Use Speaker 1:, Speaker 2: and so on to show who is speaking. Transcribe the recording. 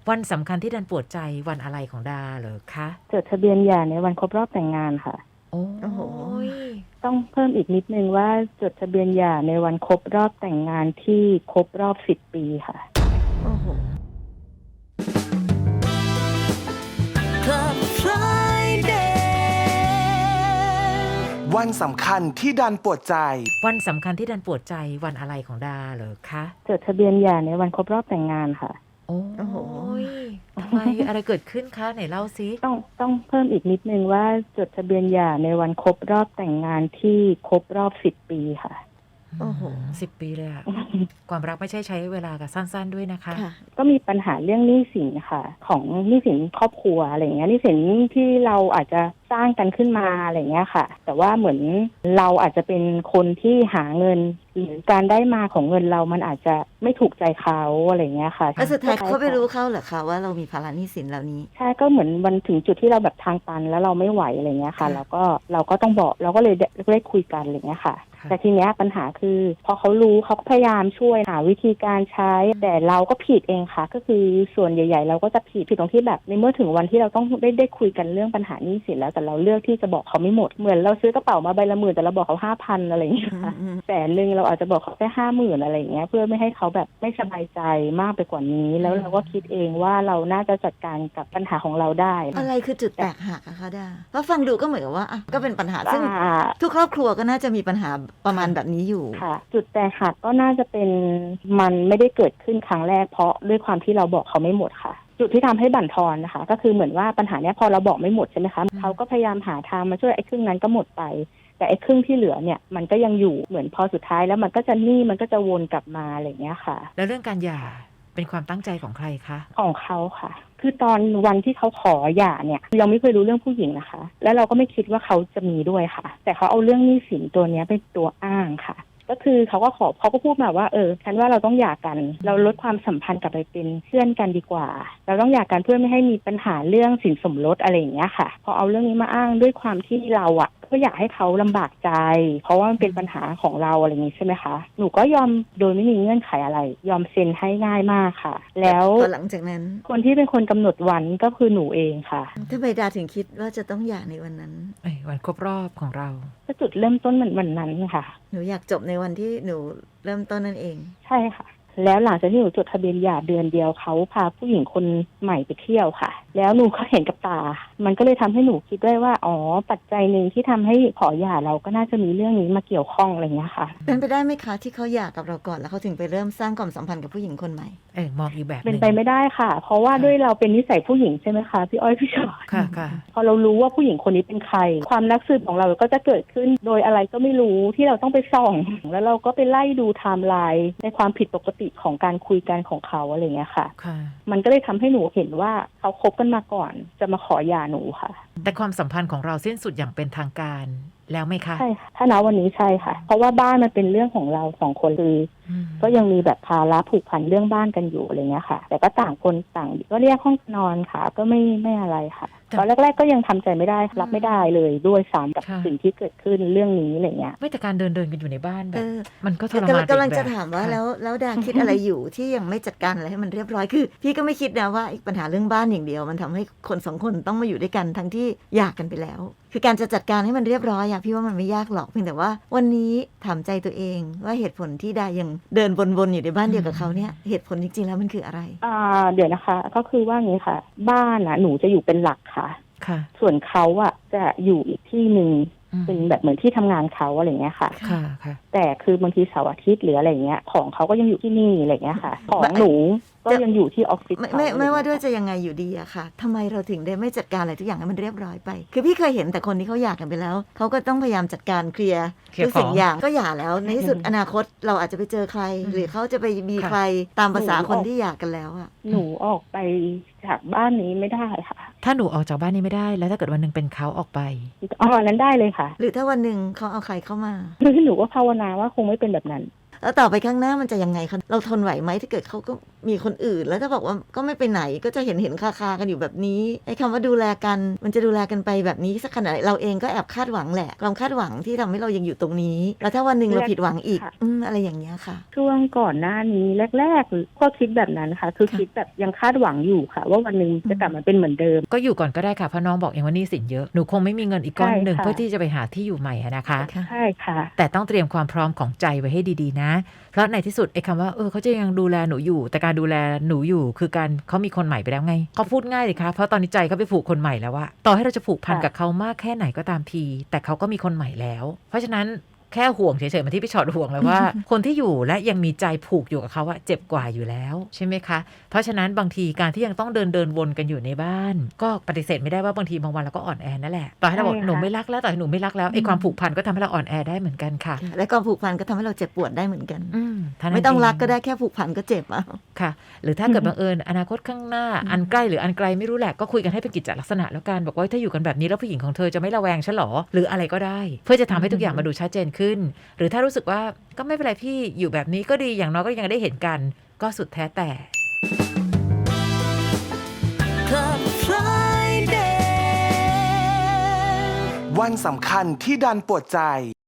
Speaker 1: วันสำคัญที่ดันปวดใจวันอะไรของดาเหรอคะ
Speaker 2: จดทะเบียนหย่าในวันครบรอบแต่งงานค่ะ
Speaker 1: โอ้
Speaker 3: โอ้โห
Speaker 1: ย
Speaker 2: ต้องเพิ่มอีกนิดนึงว่าจดทะเบียนหย่าในวันครบรอบแต่งงานที่ครบรอบ10 ปีค่ะ
Speaker 3: โอ้โห Club Friday
Speaker 4: วันสำคัญที่ดันปวดใจ
Speaker 1: วันสำคัญที่ดันปวดใจวันอะไรของดาเหรอคะ
Speaker 2: จดทะเบียนหย่าในวันครบรอบแต่งงานค่ะ
Speaker 1: โอ้โหทำไมอะไรเกิดขึ้นคะไหนเล่าซิ
Speaker 2: ต้องเพิ่มอีกนิดนึงว่าจดทะเบียนหย่าในวันครบรอบแต่งงานที่ครบรอบ10 ปีค่ะ
Speaker 1: โอ้โห10 ปีเลยอะ ความรักไม่ใช่ใช้เวลากับสั้นๆด้วยนะคะ
Speaker 2: ก็มีปัญหาเรื่องหนี้สินค่ะของหนี้สินครอบครัวอะไรอย่างเงี้ยหนี้สินที่เราอาจจะสร้างกันขึ้นมาอะไรเงี้ยค่ะแต่ว่าเหมือนเราอาจจะเป็นคนที่หาเงินหรือการได้มาของเงินเรามันอาจจะไม่ถูกใจเขาอะไรเงี้ยค่ะ
Speaker 3: แล้วสุดท้ายเขาไม่รู้เข้าเหรอคะว่าเรามีภาระหนี้สินเหล่านี้
Speaker 2: ใช่ก็เหมือนวันถึงจุดที่เราแบบทางตันแล้วเราไม่ไหวอะไรเงี้ยค่ะเราก็ต้องบอกเราก็เลยได้คุยกันอะไรเงี้ยค่ะแต่ทีเนี้ยปัญหาคือพอเขารู้เขาก็พยายามช่วยหาวิธีการใช้แต่เราก็ผิดเองค่ะก็คือส่วนใหญ่ๆเราก็จะผิดตรงที่แบบในเมื่อถึงวันที่เราต้องได้คุยกันเรื่องปัญหาหนี้สินแล้วแต่เราเลือกที่จะบอกเขาไม่หมดเหมือนเราซื้อกระเป๋ามาใบละ10,000แต่เราบอกเขา5,000อะไรอย่างเงี้ยค่ะ100,000เราอาจจะบอกเขาแค่50,000อะไรอย่างเงี้ยเพื่อไม่ให้เขาแบบไม่สบายใจมากไปกว่านี้แล้วเราก็คิดเองว่าเราน่าจะจัดการกับปัญหาของเราได้
Speaker 3: อะไรคือจุดแตกหักอะคะดาเพราะฟังดูก็เหมือนกับว่าก็เป็นปัญหาซึ่งทุกครอบครัวก็น่าจะมีปัญหาประมาณแบบนี้อยู่
Speaker 2: ค่ะจุดแตกหักก็น่าจะเป็นมันไม่ได้เกิดขึ้นครั้งแรกเพราะด้วยความที่เราบอกเขาไม่หมดค่ะจุดที่ทำให้บั่นทอนนะคะก็คือเหมือนว่าปัญหาเนี้ยพอเราบอกไม่หมดใช่ไหมคะเขาก็พยายามหาทางมาช่วยไอ้ครึ่งนั้นก็หมดไปแต่ไอ้ครึ่งที่เหลือเนี่ยมันก็ยังอยู่เหมือนพอสุดท้ายแล้วมันก็จะหนี้มันก็จะวนกลับมาอะไรอย่างเงี้ยค่ะ
Speaker 1: แล้วเรื่องการหย่าเป็นความตั้งใจของใครคะ
Speaker 2: ของเขาค่ะคือตอนวันที่เขาขอหย่าเนี่ยเราไม่เคยรู้เรื่องผู้หญิงนะคะแล้วเราก็ไม่คิดว่าเขาจะมีด้วยค่ะแต่เขาเอาเรื่องหนี้สินตัวนี้เป็นตัวอ้างค่ะก็คือเขาก็พูดมาว่าฉันว่าเราต้องหย่ากันเราลดความสัมพันธ์กลับไปเป็นเพื่อนกันดีกว่าเราต้องหย่ากันเพื่อไม่ให้มีปัญหาเรื่องสินสมรสอะไรอย่างเงี้ยค่ะพอเอาเรื่องนี้มาอ้างด้วยความที่เราก็อยากให้เขาลำบากใจเพราะว่ามันเป็นปัญหาของเราอะไรอย่างนี้ใช่ไหมคะหนูก็ยอมโดยไม่มีเงื่อนไขอะไรยอมเซ็นให้ง่ายมากค่ะแล้ว
Speaker 3: หลังจากนั้น
Speaker 2: คนที่เป็นคนกำหนดวันก็คือหนูเองค่ะ
Speaker 3: ทำไมดาถึงคิดว่าจะต้องหย่าในวันนั้น
Speaker 1: วันครบรอบของเรา
Speaker 2: ก็จุดเริ่มต้นวันนั้นค่ะ
Speaker 3: หนูอยากจบในวันที่หนูเริ่มต้นนั่นเอง
Speaker 2: ใช่ค่ะแล้วหลังจากที่หนูจดทะเบียนหย่าเดือนเดียวเขาพาผู้หญิงคนใหม่ไปเที่ยวค่ะแล้วหนูก็เห็นกับตามันก็เลยทำให้หนูคิดได้ว่าปัจจัยหนึ่งที่ทำให้ขอหย่าเราก็น่าจะมีเรื่องนี้มาเกี่ยวข้องอะไรเงี้ยค่ะ
Speaker 3: เป็นไปได้ไหมคะที่เขาหย่ากับเราก่อนแล้วเขาถึงไปเริ่มสร้างความสัมพันธ์กับผู้หญิงคนใหม่
Speaker 1: มองอีกแบบ
Speaker 2: เป็นไปไม่ได้ค่ะเพราะว่าด้วยเราเป็นนิสัยผู้หญิงใช่ไหมคะพี่อ้อยพี่ชอต
Speaker 1: ค่ะ
Speaker 2: พอเรารู้ว่าผู้หญิงคนนี้เป็นใครความนักสืบของเราก็จะเกิดขึ้นโดยอะไรก็ไม่รู้ที่เราต้องไปส่องแล้วเราก็ไปไล่ดูไทม์ไลน์ในความผิดปกติของการคุยกันของเขาอะไรเงี้ยค่ะมันก็เลยทำให้หนูเห็นว่าเขาคบกันมาก่อนจะมาขอหย่าหนูค่ะ
Speaker 1: แต่ความสัมพันธ์ของเราสิ้นสุดอย่างเป็นทางการแล้วไหมคะ
Speaker 2: ใช่ค่ะถ้าณวันนี้ใช่ค่ะเพราะว่าบ้านมันเป็นเรื่องของเรา2 คนคือก็ยังมีแบบภาระผูกพันเรื่องบ้านกันอยู่อะไรเงี้ยค่ะแต่ก็ต่างคนต่างก็เรียกห้องนอนค่ะก็ไม่อะไรค่ะตอนแรกๆก็ยังทำใจไม่ได้รับไม่ได้เลยด้วยซ้ำกับสิ่งที่เกิดขึ้นเรื่องนี้อะไรเงี้ย
Speaker 1: ไม่แต่การเดินกันอยู่ในบ้านแบบมันก็ทรมาน
Speaker 3: กำลังจะถามว่าแล้วดาคิดอะไรอยู่ที่ยังไม่จัดการอะไรให้มันเรียบร้อยคือพี่ก็ไม่คิดนะว่าปัญหาเรื่องบ้านอย่างเดียวมันทำให้คน2 คนต้องมาอยู่ด้วยกันทั้งที่หย่ากันไปแล้วคือการจะจัดการให้มันเรียบร้อยพี่ว่ามันไม่ยากหรอกเพียงแต่ว่าวันนี้ถามใจตัวเองว่าเหตุผลที่ดายังเดินวนๆอยู่ในบ้านเดียวกับเขาเนี่ยเหตุผลจริงๆแล้วมันคืออะไร
Speaker 2: เดี๋ยวนะคะก็คือว่างี้ค่ะบ้านหนูจะอยู่เป็นหลักค่ะส่วนเขาจะอยู่อีกที่หนึ่งเป็นแบบเหมือนที่ทำงานเขาอะไรเงี้ยค่ะแต่คือบางทีเสาร์อาทิตย์หรืออะไรเงี้ยของเขาก็ยังอยู่ที่นี่อะไรเงี้ยค่ะของหนูก็ยังอยู่ที่ออฟฟิศ
Speaker 3: ไม่ว่าด้วยจะยังไงอยู่ดีอะค่ะทำไมเราถึงได้ไม่จัดการอะไรทุกอย่างให้มันเรียบร้อยไปคือพี่เคยเห็นแต่คนที่เขาหย่ากันไปแล้วเขาก็ต้องพยายามจัดการเคลียร์ทุกสิ่งอย่างก็หย่าแล้วในที่สุดอนาคตเราอาจจะไปเจอใครหรือเขาจะไปมีใครตามภาษาคนที่หย่ากันแล้วอะ
Speaker 2: หนูออกไปจากบ้านนี้ไม่ได้ค่ะ
Speaker 1: ถ้าหนูออกจากบ้านนี้ไม่ได้แล้วถ้าเกิดวันนึงเป็นเขาออกไป
Speaker 2: นั้นได้เลยค่ะ
Speaker 3: หรือถ้าวันนึงเขาเอาใครเข้ามา
Speaker 2: คือหนูก็ภาวนาว่าคงไม่เป็นแบบนั้น
Speaker 3: แล้วต่อไปข้างหน้ามันจะยังไงคะเราทนไหวไหมถ้าเกิดเขาก็มีคนอื่น แล้วถ้าบอกว่าก็ไม่ไปไหนก็จะเห็นคากันอยู่แบบนี้ไอ้คำว่าดูแลกันมันจะดูแลกันไปแบบนี้สักขนาดไหนเราเองก็แอบคาดหวังแหละความคาดหวังที่ทำให้เรายังอยู่ตรงนี้ แล้วถ้าวันหนึ่งเราผิดหวังอีกอะไรอย่างเงี้ยค่ะ
Speaker 2: ช่วงก่อนหน้านี้แรกๆก็คิดแบบนั้นค่ะคือคิดแบบยังคาดหวังอยู่ค่ะ ว่าวันหนึ่งจะกลับมาเป็นเหมือนเดิม
Speaker 1: ก็อยู่ก่อนก็ได้ค่ะเพราะน้องบอกเองว่าหนี้สินเยอะหนูคงไม่มีเงินอีกก้อนหนึ่ง
Speaker 2: ใช่ค่ะ
Speaker 1: เพื่อที่จะไปหาที่อยู่ใหม่อะนะคะ
Speaker 2: ใช่ค่ะ
Speaker 1: แต่ต้องเตรียมความพร้อมของใจไว้ให้ดีๆนะเพราะในที่สุดไอ้คำว่าเขาจะยังดูแลหนูอยู่แต่การดูแลหนูอยู่คือการเขามีคนใหม่ไปแล้วไงเขาพูดง่ายเลยค่ะเพราะตอนนี้ใจเขาไปผูกคนใหม่แล้วอะต่อให้เราจะผูกพันกับเขามากแค่ไหนก็ตามทีแต่เขาก็มีคนใหม่แล้วเพราะฉะนั้นแค่ห่วงเฉยๆมาที่พี่ชอตห่วงแล้วว่า คนที่อยู่และยังมีใจผูกอยู่กับเขาอะเจ็บกว่าอยู่แล้วใช่ไหมคะเพราะฉะนั้นบางทีการที่ยังต้องเดินวนกันอยู่ในบ้านก็ปฏิเสธไม่ได้ว่าบางทีบางวันเราก็อ่อนแอนั่นแหละต่อให้เราบอกหนูไม่รักแล้วต่อให้หนูไม่รักแล้วไอ้ความผูกพันก็ทำให้เราอ่อนแอได้เหมือนกันค่ะ
Speaker 3: และความผูกพันก็ทำให้เราเจ็บปวดได้เหมือนกัน
Speaker 1: เท่านั้น
Speaker 3: ไม่ต้องรัก
Speaker 1: เ
Speaker 3: ก็ได้แค่ผูกพันก็เจ็บอ่ะ
Speaker 1: ค่ะหรือถ้าเกิดบังเอิญอนาคตข้างหน้าอันใกล้หรืออันไกลไม่รู้แหละก็คุยกันให้เป็นกิจจลักษณะแล้วกันบอกว่าถ้าอยู่กันแบบนี้แล้วผู้หญิงของเธอจะไม่ระแวงฉันหรอหรืออะไรก็ได้เพื่อจะทำให้ทุกอย่างมาดูชัดเจนขึ้น หรือถ้ารู้สึกว่าก็ไม่เป็นไรพี่อยู่แบบนี้ก็ดีอย่างน้อยก็ยังได้เห็นกันก็สุดแท้แต่
Speaker 3: Club Friday
Speaker 4: วันสำคัญที่ดันปวดใจ